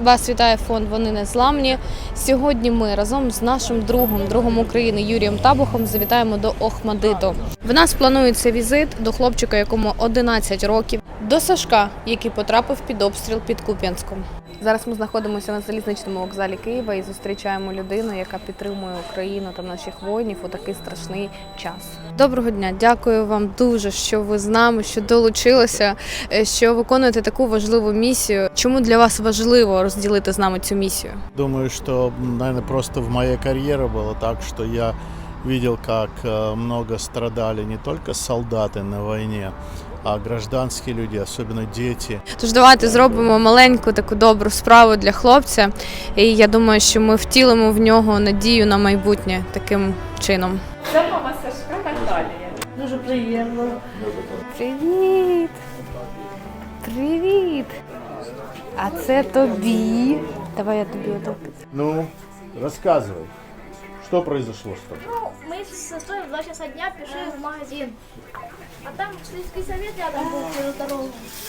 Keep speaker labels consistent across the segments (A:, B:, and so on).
A: Вас вітає фонд «Вони незламні». Сьогодні ми разом з нашим другом України Юрієм Табухом завітаємо до Охмадиту. В нас планується візит до хлопчика, якому 11 років, до Сашка, який потрапив під обстріл під Куп'янськом. Зараз ми знаходимося на залізничному вокзалі Києва і зустрічаємо людину, яка підтримує Україну та наших воїнів у такий страшний час. Доброго дня, дякую вам дуже, що ви з нами, що долучилися, що виконуєте таку важливу місію. Чому для вас важливо розділити з нами цю місію?
B: Думаю, что, наверное, просто в моей карьере было так, что я видел, как много страдали не только солдаты на войне, а гражданські люди, особливо діти.
A: Тож давайте зробимо маленьку таку добру справу для хлопця. І я думаю, що ми втілимо в нього надію на майбутнє таким чином.
C: Це мама Сашка Наталія. Дуже приємно.
A: Привіт! Привіт! А це тобі. Давай я тобі отак.
B: Ну, рассказывай, что произошло с тобой?
D: Ну, мы с сестрой в 2 часа дня пришли в магазин. А там сельский совет рядом был через дорогу.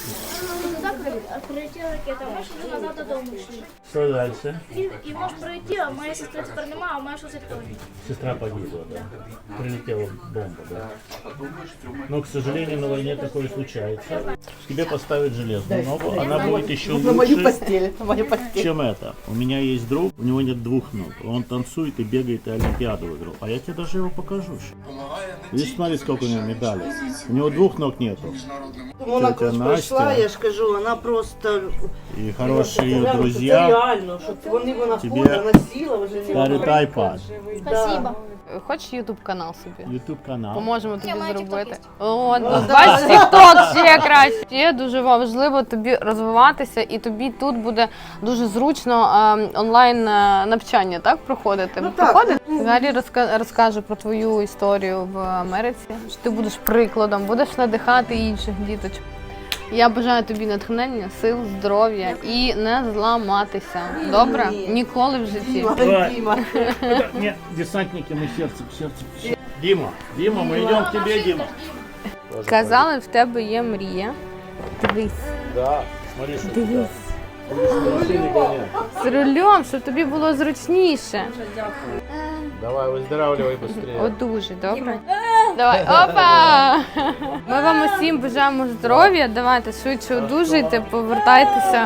D: И туда прилетела ракета. Мы шли назад до дома шли.
B: Что дальше?
D: И можешь пройти, а моя сестра теперь нема, а моя сестра тоже.
B: Сестра погибла, да? Прилетела бомба, да? Но, к сожалению, на войне такое случается. Тебе поставят железную ногу, она будет еще
C: На мою
B: лучше,
C: постель, на мою постель.
B: чем это. У меня есть друг, у него нет 2 ног. Он танцует и бегает, и Олимпиаду выиграл. А я тебе даже его покажу. Видишь, смотри, сколько у него медалей. У него 2 ног нету.
C: Вона
B: Тетя
C: пройшла,
B: Настя.
C: я ж кажу, вона просто...
B: И хорошие ее
C: Це
B: друзья
C: реально, що вона
B: Тебе
C: ходить, вона сіла, вже не
B: дарят iPad,
D: Спасибо.
A: Хочеш ютуб-канал собі?
B: YouTube канал.
A: Поможемо тобі
D: маю
A: зробити.
D: TikTok
A: О, бач, TikTok ще краще. Ще дуже важливо тобі розвиватися, і тобі тут буде дуже зручно онлайн навчання, так, проходити?
C: Ну, так.
A: Проходить? Взагалі розкаже про твою історію в Америці, що ти будеш прикладом, будеш надихати інших діточок. Я бажаю тобі натхнення, сил, здоров'я і не зламатися. Добре? Ніколи в житті.
C: Діма.
B: Нет, десантники, мы сердце к сердцу. Дима, мы идем к тебе, Дима.
A: Казали, в тебе є мрія. Дивись.
B: Да, смотри, что
A: Дивись.
B: машины гоняют.
A: З рулем, щоб тобі було зручніше.
B: Давай, выздоравливай быстрее.
A: Дуже добре. Давай, опа! Ми вам усім бажаємо здоров'я. Давайте швидше одужуйте, повертайтеся.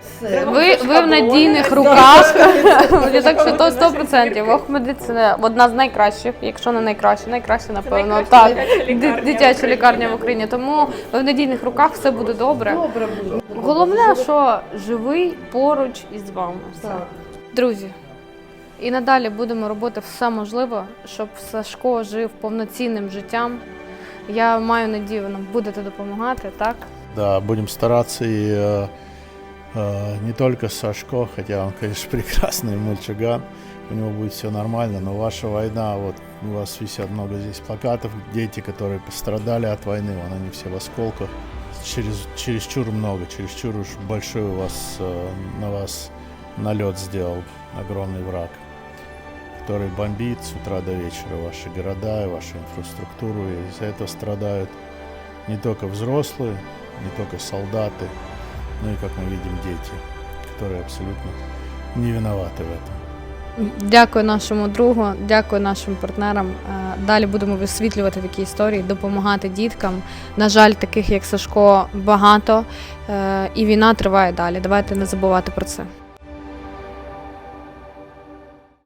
A: Ви в надійних руках. Я так що то 100%. Охмадит – це одна з найкращих, якщо не найкраща, напевно. Так, дитяча лікарня в Україні. Тому ви в надійних руках, все буде добре. Головне, що живий поруч із вами. Все. Друзі, і надалі будемо робити все можливе, щоб Сашко жив повноцінним життям. Я маю надію, ви нам будете допомагати, так?
B: Да, будем стараться и не только Сашко, хотя он, конечно, прекрасный мальчуган, у него будет все нормально, но ваша война, вот у вас висят много здесь плакатов, дети, которые пострадали от войны, вон они все в осколках, чересчур много, чересчур уж большой у вас, на вас налет сделал огромный враг, который бомбит с утра до вечера ваши города и вашу инфраструктуру, и из-за этого страдают не только взрослые, не только солдаты, ну и, как мы видим, дети, которые абсолютно не виноваты в этом.
A: Дякую нашому другу, дякую нашим партнерам. Далі будемо висвітлювати такі історії, допомагати діткам. На жаль, таких як Сашко багато, і війна триває далі. Давайте не забувати про це.